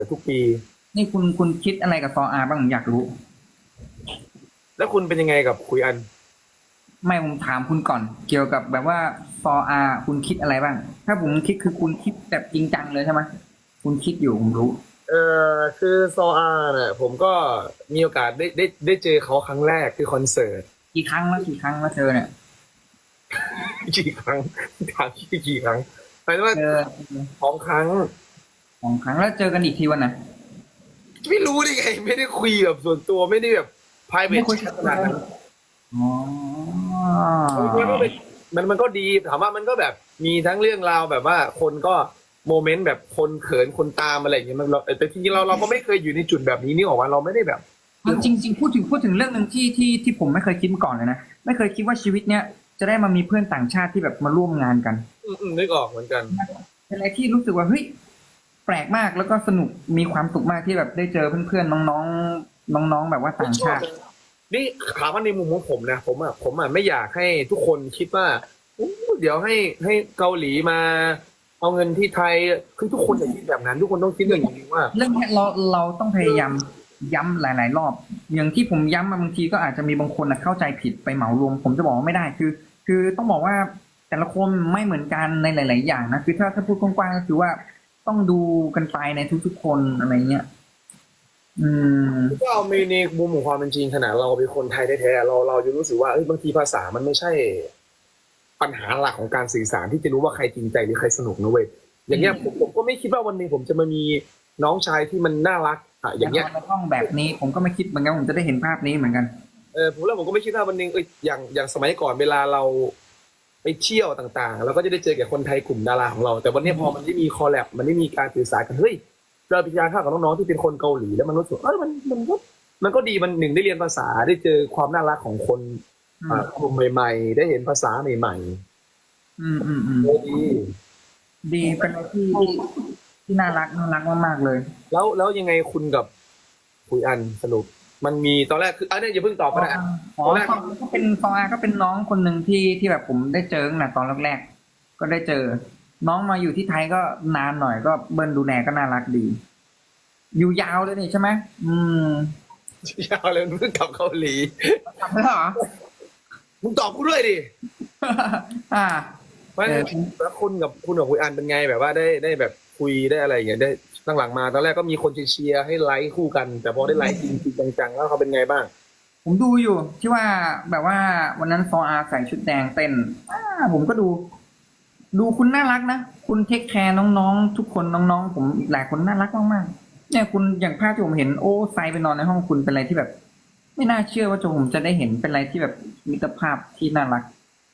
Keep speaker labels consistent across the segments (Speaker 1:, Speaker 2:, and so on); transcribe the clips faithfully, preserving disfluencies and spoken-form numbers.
Speaker 1: ทุกปี
Speaker 2: นี่คุณคุณคิดอะไรกับซออาบ้างผมอยากรู้
Speaker 1: แล้วคุณเป็นยังไงกับคุยอัน
Speaker 2: ไม่ผมถามคุณก่อน เกี่ยวกับแบบว่าซออาคุณคิดอะไรบ้าง ถ้าผมคิดคือคุณคิดแบบจริงจังเลยใช่ไหมคุณคิดอยู่ผมรู้
Speaker 1: เออคือโซอาเนี่ยผมก็มีโอกาสได้ได้ได้เจอเขาครั้งแรกคือคอนเสิร์ต
Speaker 2: กี่ครั้งแล้วกี่ครั้งแล้วเธอเนี่ย
Speaker 1: กี่ครั้งถามที่กี่ครั้งหมายถึงว่า
Speaker 2: เจอ
Speaker 1: สองครั้ง
Speaker 2: สองครั้งแล้วเจอกันอีกทีวันไหน
Speaker 1: ไม่รู้ได้ไงไม่ได้คุยแบบส่วนตัวไม่ได้แบบ
Speaker 2: ไม่
Speaker 1: private
Speaker 2: คุย
Speaker 1: chat ขนาดนั้น
Speaker 2: อ๋อ
Speaker 1: มันก็เป็นมันมันก็ดีถามว่ามันก็แบบมีทั้งเรื่องราวแบบว่าคนก็โมเมนต์แบบคนเขินคนตามอะไรอย่างเงี้ยมันเราแต่จริงๆเราเราก็ไม่เคยอยู่ในจุดแบบนี้นี่ออกมาเราไม่ได้แบบ
Speaker 2: จริงจริงๆพูดถึงพูดถึงเรื่องหนึ่งที่ที่ที่ผมไม่เคยคิดมาก่อนเลยนะไม่เคยคิดว่าชีวิตเนี้ยจะได้มามีเพื่อนต่างชาติที่แบบมาร่วมงานกัน
Speaker 1: อืมอืมนึกออกเหมือนกัน
Speaker 2: เป็นอะไรที่รู้สึกว่าเฮ้ยแปลกมากแล้วก็สนุกมีความสุขมากที่แบบได้เจอเพื่อนๆน้องๆน้องๆแบบว่าต่างชาติ
Speaker 1: นี่ถามว่าในมุมของผมนะผมอ่ะผมอ่ะไม่อยากให้ทุกคนคิดว่าอู้เดี๋ยวให้ให้เกาหลีมาเอาเงินที่ไทยคือทุกคนอย่าคิดแบบนั้นทุกคนต้องคิดอย่างนี้ว่า
Speaker 2: เรื่องนี้เราเราต้องพยายามย้ำหลายๆรอบอย่างที่ผมย้ำมาบางทีก็อาจจะมีบางคนนะเข้าใจผิดไปเหมารวมผมจะบอกว่าไม่ได้คือ คือต้องบอกว่าแต่ละคนไม่เหมือนกันในหลาย ๆ อย่างนะคือถ้าถ้าพูดกว้างๆก็คือว่าต้องดูกันไปในทุกๆคนอะไรเงี้ยอืม
Speaker 1: ก็เอาในในมุมของความเป็นจริงขนาดเราเป็นคนไทยแท้ๆเราเราจะรู้สึกว่าเอ้ยบางทีภาษามันไม่ใช่ปัญหาหลักของการสื่อสารที่จะรู้ว่าใครจริงใจหรือใครสนุกนะเว้ยอย่างเงี้ยผมผมก็ไม่คิดว่าวันหนึ่งผมจะมามีน้องชายที่มันน่ารักอ่ะอย่างเงี้ย
Speaker 2: ในห้องแบบนี้ผมก็ไม่คิดเหมือนกันผมจะได้เห็นภาพนี้เหมือนกัน
Speaker 1: เออผมแล้วผมก็ไม่คิดว่าวันหนึงเอยอย่างอย่างสมัยก่อนเวลาเราไปเที่ยวต่างๆเราก็จะได้เจอกับคนไทยกลุ่มดาราของเราแต่วันนี้พอมันได้มีคอลแลบมันได้มีการสื่อสารกันเฮ้ยเราไปทานข้าวกับน้องๆที่เป็นคนเกาหลีแล้วมันรู้สึกเออมันมันก็มันก็ดีมันหนึ่งได้เรียนภาษาได้เจอความน่ารักของคน
Speaker 2: อืม
Speaker 1: อ่ากลุ่มใหม่ๆได้เห็นภาษาใหม่
Speaker 2: อืมอืมอื
Speaker 1: ๆ
Speaker 2: ม
Speaker 1: โอ้ดี
Speaker 2: ดีเป็นอะไรที่ที่น่ารักน่ารักมากๆเลย
Speaker 1: แล้วแล้วยังไงคุณกับคุยอันสรุปมันมีตอนแรกคืออันนี้อย่าเพิ่งตอบก็ได้อะ
Speaker 2: อ๋อ
Speaker 1: ตอนแรก
Speaker 2: ฟองก็เป็นฟองอาก็เป็นน้องคนหนึ่งที่ที่แบบผมได้เจอตั้งแต่ตอนแรกๆก็ได้เจอ น้องมาอยู่ที่ไทยก็นานหน่อยก็เบิ้ลดูแลก็น่ารักดี อยู่ยาวเลยนี่ใช่ไหมอืม
Speaker 1: ยาวเลยเพิ่งกลับเกาหลี
Speaker 2: กลับแล้วเหรอ
Speaker 1: มึงตอบกูด้วยดิ
Speaker 2: อ่า
Speaker 1: ไม่
Speaker 2: เออ
Speaker 1: แล้วคุณกับคุณกับคุยอันเป็นไงแบบว่าได้ได้แบบคุยได้อะไรอย่างเงี้ยได้ตั้งหลังมาตอนแรกก็มีคนเชียร์ให้ไลค์คู่กัน แต่พอได้ไลค์จริงจริงจังๆแล้วเขาเป็นไงบ้าง
Speaker 2: ผมดูอยู่ที่ว่าแบบว่าวันนั้นฟออาใส่ชุดแดงเต้นอ่าผมก็ดู ดูคุณน่ารักนะ คุณเทคแคร์น้องๆทุกคนน้องๆผมอีกหลายคนน่ารักมากๆเนี่ยคุณอย่างภาพที่ผมเห็นโอ้ไซไปนอนในห้องคุณเป็นอะไรที่แบบ ไม่น่าเชื่อว่าจะผมจะได้เห็นเป็นอะไรที่แบบมิตรภาพที่น่ารัก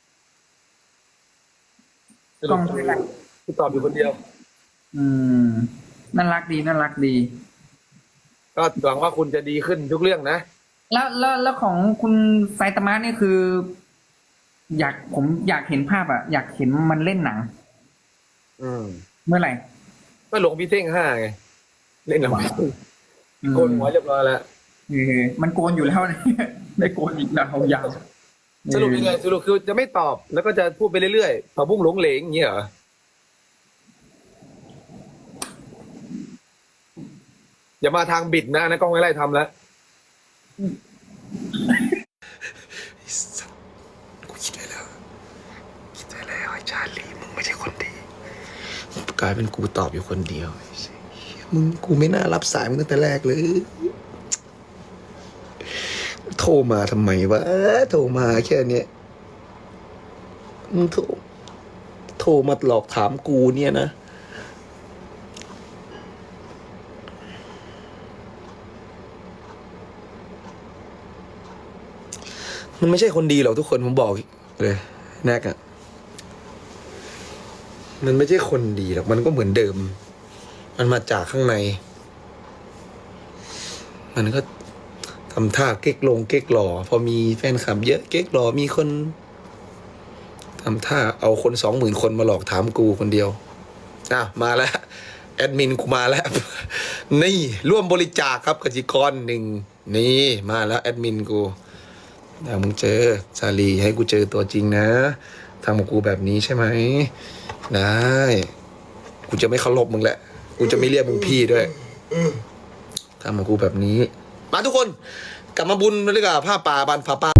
Speaker 1: สรุป
Speaker 2: กล้องด้วยนะ
Speaker 1: คุณตอบอยู่คนเดียว
Speaker 2: อืมน่ารักดีน่ารักดี
Speaker 1: ก็หวังว่าคุณจะดีขึ้นทุกเรื่องนะ
Speaker 2: แล้วแล้วแล้วของคุณไซตามะนี่คือ อยากผมอยากเห็นภาพอะอยากเห็นมันเล่นหนัง
Speaker 1: อืม
Speaker 2: เมื่อไหร่
Speaker 1: ก็หลวงพี่เท่งห้าไงเล่นหนังพี่เท่ง
Speaker 2: อื
Speaker 1: โกน
Speaker 2: ม
Speaker 1: หัวเรียบร้อยแล้ว
Speaker 2: เออมันโกนอยู่แล้วนะ ได้โกนอีกแล้วยาวเอ
Speaker 1: สรุป
Speaker 2: อ
Speaker 1: ยังไงสรุปคือจะไม่ตอบแล้วก็จะพูดไปเรื่อยๆผักบุ้งหลงเหลงอย่างเงี้ยเหรออย่ามาทางบิดนะนะกล้องไม่ไล่ทำแล้ว
Speaker 3: กูคิดไว้แล้วคิดไว้แล้วไอ้ชาลีมึงไม่ใช่คนดีกลายเป็นกูตอบอยู่คนเดียวมึงกูไม่น่ารับสายมึงตั้งแต่แรกเลยโทรมาทำไมวะโทรมาแค่เนี้ยมึงโทรโทรมาหลอกถามกูเนี่ยนะมันไม่ใช่คนดีหรอกทุกคนผมบอกเลยแนกอะมันไม่ใช่คนดีหรอกมันก็เหมือนเดิม มันมาจากข้างใน มันก็ทำท่าเก๊กลงเก๊กหล่อพอมีแฟนคลับเยอะเก๊กหล่อมีคนทำท่าเอาคนสองหมื่นคนมาหลอกถามกูคนเดียวอ่ะมาแล้วแอดมินกูมาแล้ว นี่ร่วมบริจาคครับกสิกรหนึ่งนี่มาแล้วแอดมินกูเดี๋ยวมึงเจอชาลีให้กูเจอตัวจริงนะทำกับกูแบบนี้ใช่ไหมได้กูจะไม่เคารพมึงแหละกูจะไม่เรียกมึงพี่ด้วยทำกับกูแบบนี้ มาทุกคน กลับมาบุญเลยดีกว่าผ้าป่าบันผ้าป่า